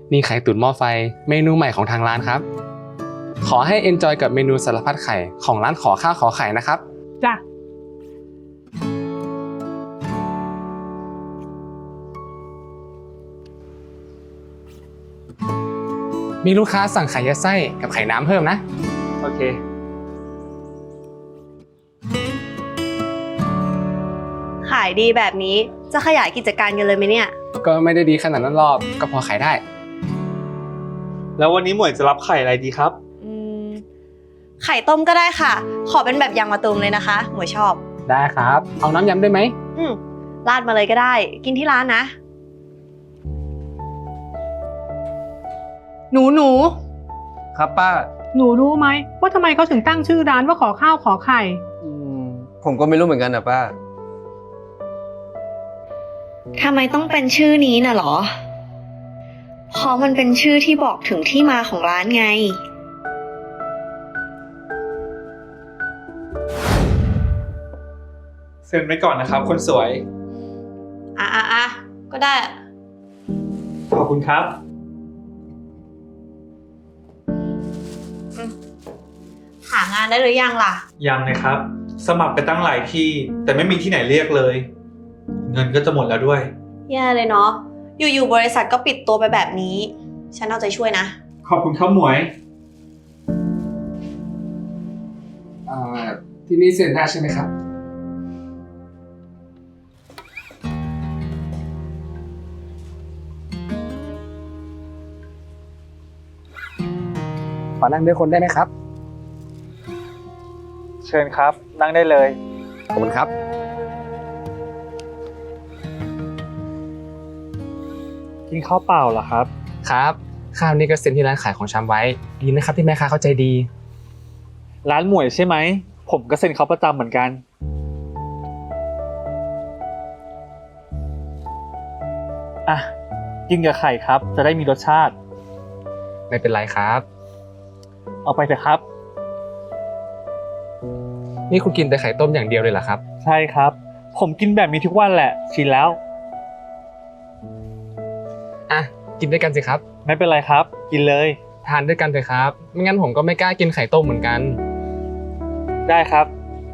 นี่ไข่ตุ๋นหม้อไฟเมนูใหม่ของทางร้านครับขอให้เอนจอยกับเมนูสารพัดไข่ของร้านขอข้าวขอไข่นะครับจ้ะมีลูกค้าสั่งไข่ยัดไส้กับไข่น้ำเพิ่มนะโอเคขายดีแบบนี้จะขยายกิจการกันเลยไหมเนี่ยก็ไม่ได้ดีขนาดนั้นหรอกก็พอขายได้แล้ววันนี้หมวยจะรับไข่อะไรดีครับอืมไข่ต้มก็ได้ค่ะขอเป็นแบบยางมะตูมเลยนะคะหมวยชอบได้ครับเอาน้ำยำด้วยไหมราดมาเลยก็ได้กินที่ร้านนะหนูครับป้าหนูรู้ไหมว่าทำไมเขาถึงตั้งชื่อร้านว่าขอข้าวขอไข่ผมก็ไม่รู้เหมือนกันนะป้าทำไมต้องเป็นชื่อนี้น่ะหรอเพราะมันเป็นชื่อที่บอกถึงที่มาของร้านไงเซ็นไว้ก่อนนะครับคนสวยอ่ะก็ได้ขอบคุณครับหางานได้หรือยังล่ะยังเลยครับสมัครไปตั้งหลายที่แต่ไม่มีที่ไหนเรียกเลยเงินก็จะหมดแล้วด้วยแย่เลยเนาะอยู่ๆบริษัทก็ปิดตัวไปแบบนี้ฉันเอาใจช่วยนะขอบคุณครับหมวยที่นี่เซ็นได้ใช่ไหมครับขอนั่งด้วยคนได้ไหมครับเชิญครับนั่งได้เลยขอบคุณครับกินข้าวเปล่าเหรอครับครับข้าวนี่ก็เซ็นที่ร้านขายของชำไว้ดีนะครับที่แม่ค้าเข้าใจดีร้านหมวยใช่ไหมผมก็เซ็นเขาประจำเหมือนกันอ่ะกินกับไข่ครับจะได้มีรสชาติไม่เป็นไรครับเอาไปเถอะครับนี่คุณกินแต่ไข่ต้มอย่างเดียวเลยเหรอครับใช่ครับผมกินแบบนี้ทุกวันแหละชินแล้วอ่ะกินด้วยกันสิครับไม่เป็นไรครับกินเลยทานด้วยกันเถอะครับไม่งั้นผมก็ไม่กล้ากินไข่ต้มเหมือนกันได้ครับ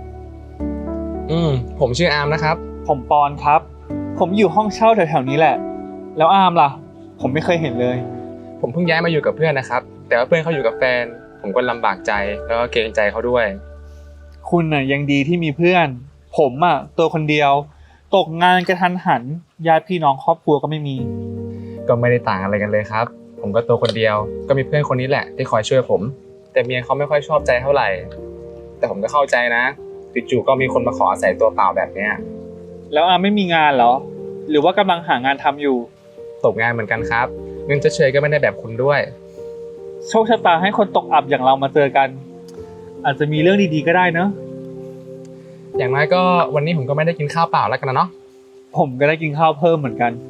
ผมชื่ออาร์มนะครับผมปอนครับผมอยู่ห้องเช่าแถวๆนี้แหละแล้วอาร์มล่ะผมไม่เคยเห็นเลยผมเพิ่งย้ายมาอยู่กับเพื่อนนะครับแต่ว่าเพื่อนเขาอยู่กับแฟนผมก็ลำบากใจแล้วก็เกรงใจเขาด้วยคุณน่ะยังดีที่มีเพื่อนผมอ่ะตัวคนเดียวตกงานกระทันหันญาติพี่น้องครอบครัวก็ไม่มีก็ไม่ได้ต่างอะไรกันเลยครับผมก็ตัวคนเดียวก็มีเพื่อนคนนี้แหละที่คอยช่วยผมแต่เมียเขาไม่ค่อยชอบใจเท่าไหร่แต่ผมก็เข้าใจนะจู่ๆก็มีคนมาขออาศัยตัวเปล่าแบบเนี้ยแล้วอาไม่มีงานเหรอหรือว่ากำลังหางานทำอยู่ตกงานเหมือนกันครับเงินเฉยๆก็ไม่ได้แบบคุณด้วยโชคชะตาให้คนตกอับอย่างเรามาเจอกันอาจจะมีเรื่องดีๆก็ได้เนอะอย่างน้อยก็วันนี้ผมก็ไม่ได้กินข้าวเปล่าแล้วกันนะเนาะผมก็ได้กินข้าวเพิ่มเหมือนกัน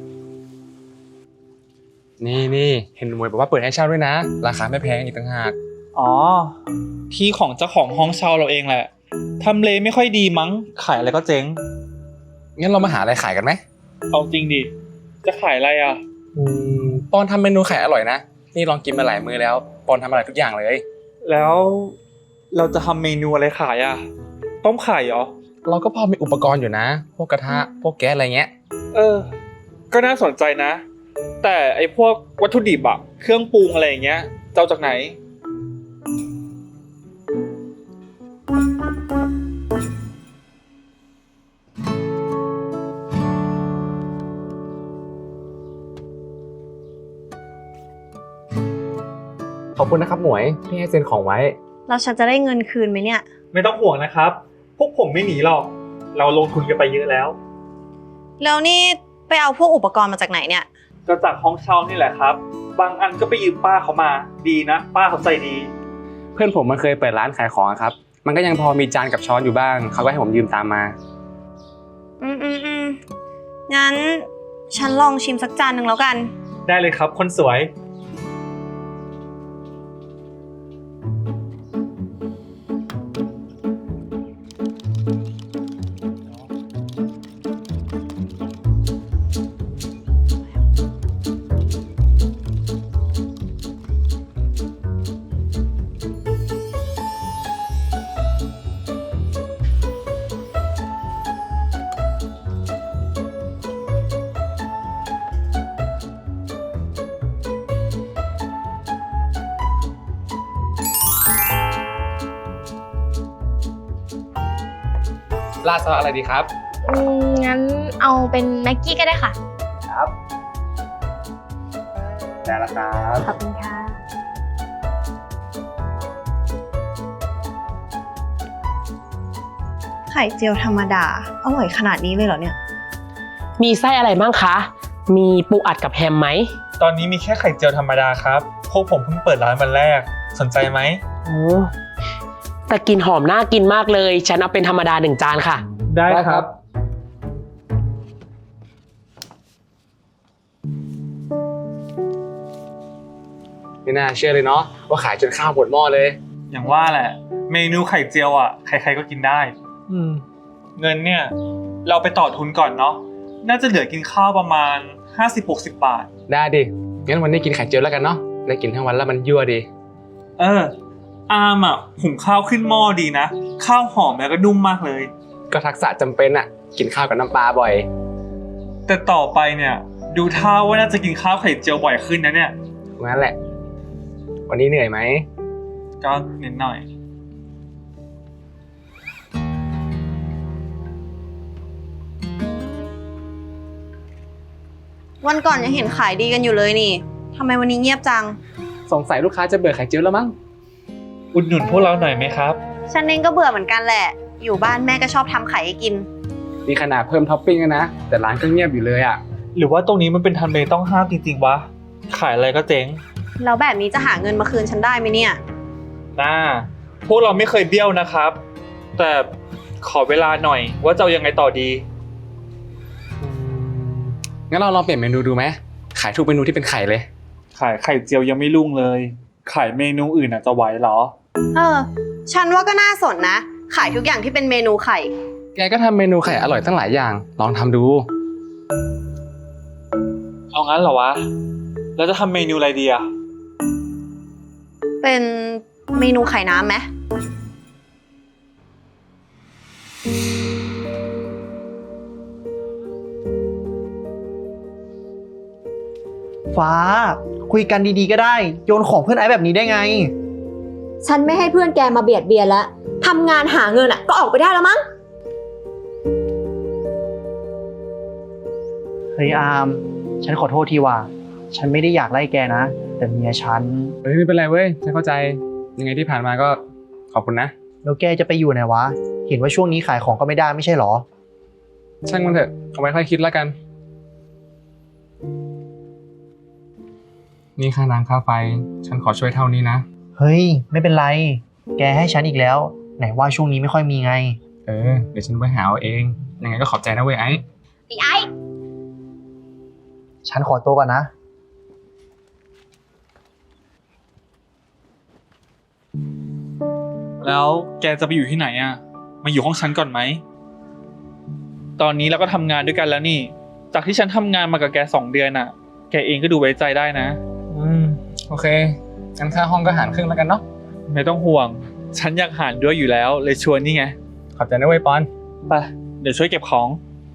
นี่เห็นหมวยบอกว่าเปิดให้เช่าด้วยนะราคาไม่แพงอีกต่างหากอ๋อที่ของเจ้าของห้องเช่าเราเองแหละทำเลไม่ค่อยดีมั้งขายอะไรก็เจ๊งงั้นเรามาหาอะไรขายกันไหมเอาจริงดิจะขายอะไรอ่ะปอนทำเมนูขายอร่อยนะนี่ลองกินมาหลายมื้อแล้วปอนทำอร่อยทุกอย่างเลยแล้วเราจะทำเมนูอะไรขายอ่ะต้มไข่เหรอเราก็พอมีอุปกรณ์อยู่นะพวกกระทะพวกแก๊สอะไรเงี้ยก็น่าสนใจนะแต่ไอ้พวกวัตถุดิบอะเครื่องปรุงอะไรอย่างเงี้ยเจ้าจากไหนขอบคุณนะครับหมวยที่ให้เซ็นของไว้เราฉันจะได้เงินคืนไหมเนี่ยไม่ต้องห่วงนะครับพวกผมไม่หนีหรอกเราลงทุนกันไปเยอะแล้วแล้วนี่ไปเอาพวกอุปกรณ์มาจากไหนเนี่ยก็จากห้องเช่านี่แหละครับบางอันก็ไปยืมป้าเขามาดีนะป้าเขาใจดีเพื่อนผมมันเคยเปิดร้านขายของครับมันก็ยังพอมีจานกับช้อนอยู่บ้างเขาก็ให้ผมยืมตามมางั้นฉันลองชิมสักจานหนึ่งแล้วกันได้เลยครับคนสวยราดซอสอะไรดีครับงั้นเอาเป็นแม็กกี้ก็ได้ค่ะครับได้แล้วครับขอบคุณค่ะไข่เจียวธรรมดาอร่อยขนาดนี้เลยเหรอเนี่ยมีไส้อะไรบ้างคะ มีปูอัดกับแฮมไหมตอนนี้มีแค่ไข่เจียวธรรมดาครับ พวกผมเพิ่งเปิดร้านวันแรก สนใจไหมโอ้แต่กลินหอมน่ากินมากเลย ฉันเอาเป็นธรรมดา1 จานค่ะได้ครับไม่น่าเชื่อเลยเนาะว่าขายจนข้าวหมดหม้อเลยอย่างว่าแหละ เมนูไข่เจียวอ่ะ ใครๆก็กินได้ เงินเนี่ย เราไปต่อทุนก่อนเนาะ น่าจะเหลือกินข้าวประมาณ 50-60 บาทได้ดิ งั้นวันนี้กินไข่เจียวแล้วกันเนาะ ได้กินทั้งวันแล้วมันยั่วดีอามอ่ะหุงข้าวขึ้นหม้อดีนะ ข้าวหอมแล้วก็นุ่มมากเลยก็ทักษะจำเป็นอะกินข้าวกับน้ำปลาบ่อยแต่ต่อไปเนี่ย ดูท่าว่าน่าจะกินข้าวไข่เจียวบ่อยขึ้นนะเนี่ยงั้นแหละ วันนี้เหนื่อยไหมก็นิดหน่อยวันก่อนยังเห็นขายดีกันอยู่เลยนี่ทำไมวันนี้เงียบจังสงสัยลูกค้าจะเบื่อไข่เจียวแล้วมั้งอุดหนุนพวกเราหน่อยไหมครับฉันเองก็เบื่อเหมือนกันแหละ อยู่บ้านแม่ก็ชอบทำไข่ให้กินนี่ขนาดเพิ่มท็อปปิ้งแล้วนะ แต่ร้านก็เงียบอยู่เลยอะหรือว่าตรงนี้มันเป็นทำเลต้องห้ามจริงๆวะ ขายอะไรก็เจ๊งแล้วแบบนี้จะหาเงินมาคืนฉันได้ไหมเนี่ยพวกเราไม่เคยเบี้ยวนะครับ แต่ขอเวลาหน่อยว่าจะเอายังไงต่อดีงั้นเราลองเปลี่ยนเมนูดูไหม ขายทุกเมนูที่เป็นไข่เลยขายไข่เจียวยังไม่รุ่งเลย ขายเมนูอื่นจะไหวเหรอฉันว่าก็น่าสนนะ ขายทุกอย่างที่เป็นเมนูไข่แกก็ทำเมนูไข่อร่อยตั้งหลายอย่าง ลองทำดูเอางั้นเหรอวะ แล้วจะทำเมนูอะไรดีอะเป็นเมนูไข่น้ำไหมฟ้าคุยกันดีๆก็ได้ โยนของเพื่อนไอ้แบบนี้ได้ไงฉันไม่ให้เพื่อนแกมาเบียดเบียนแล้วทำงานหาเงินอ่ะก็ออกไปได้แล้วมั้งเฮ้ยอาร์มฉันขอโทษทีว่า ฉันไม่ได้อยากไล่แกนะ แต่เมียฉันเฮ้ยไม่เป็นไรเว้ย ฉันเข้าใจ ยังไงที่ผ่านมาก็ขอบคุณนะแล้วแกจะไปอยู่ไหนวะ เห็นว่าช่วงนี้ขายของก็ไม่ได้ไม่ใช่หรอช่างมันเถอะ เอาไว้ค่อยคิดแล้วกัน นี่ค่าน้ำค่าไฟ ฉันขอช่วยเท่านี้นะเฮ้ยไม่เป็นไร แกให้ฉันอีกแล้ว ไหนว่าช่วงนี้ไม่ค่อยมีไงเดี๋ยวฉันไปหาเอาเอง ยังไงก็ขอบใจนะเว้ยไอ้ฉันขอตัวก่อนนะแล้วแกจะไปอยู่ที่ไหนอะมาอยู่ห้องฉันก่อนไหม ตอนนี้เราก็ทำงานด้วยกันแล้วนี่ จากที่ฉันทำงานมากับแก2 เดือนอะแกเองก็ดูไว้ใจได้นะโอเค งั้นค่าห้องก็หารครึ่งแล้วกันเนาะไม่ต้องห่วง ฉันอยากหารด้วยอยู่แล้ว เลยชวนนี่ไงขอบใจนะเว้ยปอนไป เดี๋ยวช่วยเก็บของ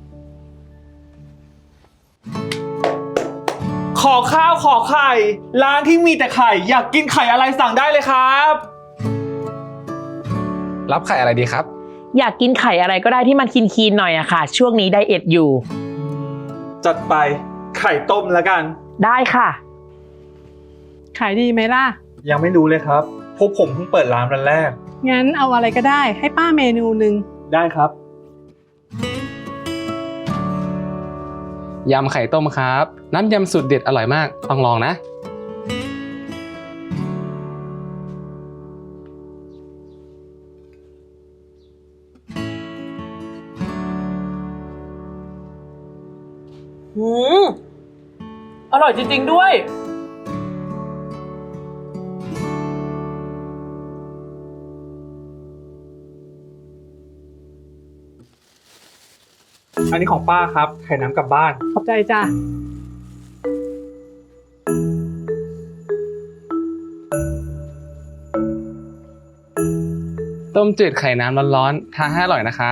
ขอข้าวขอไข่ ร้านที่มีแต่ไข่ อยากกินไข่อะไรสั่งได้เลยครับรับไข่อะไรดีครับอยากกินไข่อะไรก็ได้ที่มันคีนๆหน่อยอะค่ะ ช่วงนี้ไดเอทอยู่จัดไปไข่ต้มแล้วกันได้ค่ะขายดีไหมล่ะยังไม่รู้เลยครับ พวกผมเพิ่งเปิดร้านวันแรกงั้นเอาอะไรก็ได้ให้ป้าเมนูหนึ่งได้ครับยำไข่ต้มครับ น้ำยำสูตรเด็ดอร่อยมาก ต้องลองนะอร่อยจริงๆด้วยอันนี้ของป้าครับ ไข่น้ำกลับบ้านขอบใจจ้ะต้มจืดไข่น้ำร้อนๆ ทานให้อร่อยนะครับ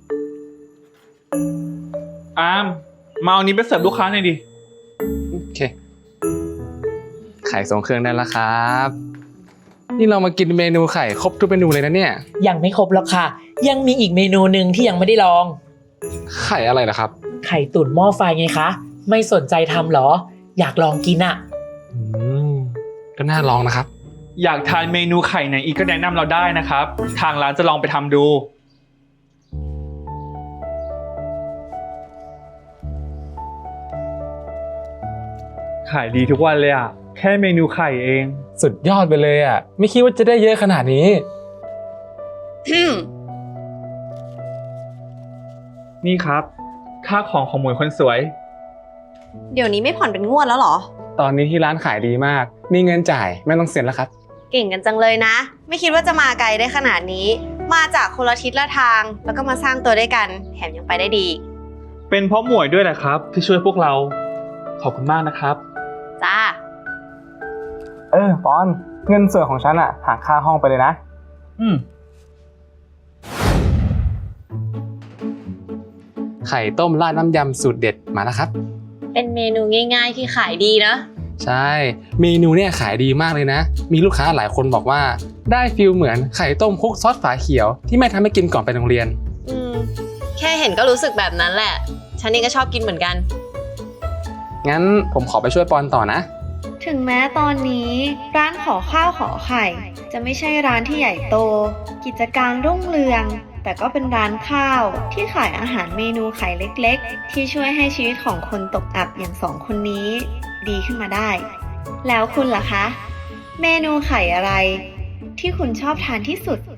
อามมาเอานี้ไปเสิร์ฟลูกค้าหน่อยดิโอเค ไข่ทรงเครื่องได้แล้วครับ นี่เรามากินเมนูไข่ครบทุกเมนูเลยนะเนี่ยยังไม่ครบแล้วค่ะยังมีอีกเมนูหนึ่งที่ยังไม่ได้ลองไข่อะไรนะครับไข่ตุ๋นหม้อไฟไงคะ ไม่สนใจทำเหรอ อยากลองกินอะก็น่าลองนะครับอยากทานเมนูไข่ไหนอีกก็แนะนำเราได้นะครับ ทางร้านจะลองไปทำดู ขายดีทุกวันเลยอ่ะ แค่เมนูไข่เองสุดยอดไปเลยอ่ะ ไม่คิดว่าจะได้เยอะขนาดนี้นี่ครับ ค่าของหมวยคนสวยเดี๋ยวนี้ไม่ผ่อนเป็นงวดแล้วเหรอตอนนี้ที่ร้านขายดีมาก มีเงินจ่ายไม่ต้องเซ็นแล้วครับเก่งกันจังเลยนะ ไม่คิดว่าจะมาไกลได้ขนาดนี้ มาจากคนละทิศละทาง แล้วก็มาสร้างตัวด้วยกัน แถมยังไปได้ดีเป็นเพราะหมวยด้วยแหละครับ ที่ช่วยพวกเรา ขอบคุณมากนะครับจ้าปอนเงินส่วนของฉันอ่ะหักค่าห้องไปเลยนะ ไข่ต้มราดน้ำยำสูตรเด็ดมาแล้วครับเป็นเมนูง่ายๆที่ขายดีนะใช่ เมนูเนี่ยขายดีมากเลยนะ มีลูกค้าหลายคนบอกว่าได้ฟิลเหมือนไข่ต้มคลุกซอสฝาเขียวที่แม่ทำให้กินก่อนไปโรงเรียนแค่เห็นก็รู้สึกแบบนั้นแหละ ฉันเองก็ชอบกินเหมือนกันงั้นผมขอไปช่วยปอนต่อนะถึงแม้ตอนนี้ร้านขอข้าวขอไข่ จะไม่ใช่ร้านที่ใหญ่โต กิจการรุ่งเรือง แต่ก็เป็นร้านข้าวที่ขายอาหารเมนูไข่เล็กๆ ที่ช่วยให้ชีวิตของคนตกอับอย่างสองคนนี้ดีขึ้นมาได้ แล้วคุณล่ะคะ เมนูไข่อะไรที่คุณชอบทานที่สุด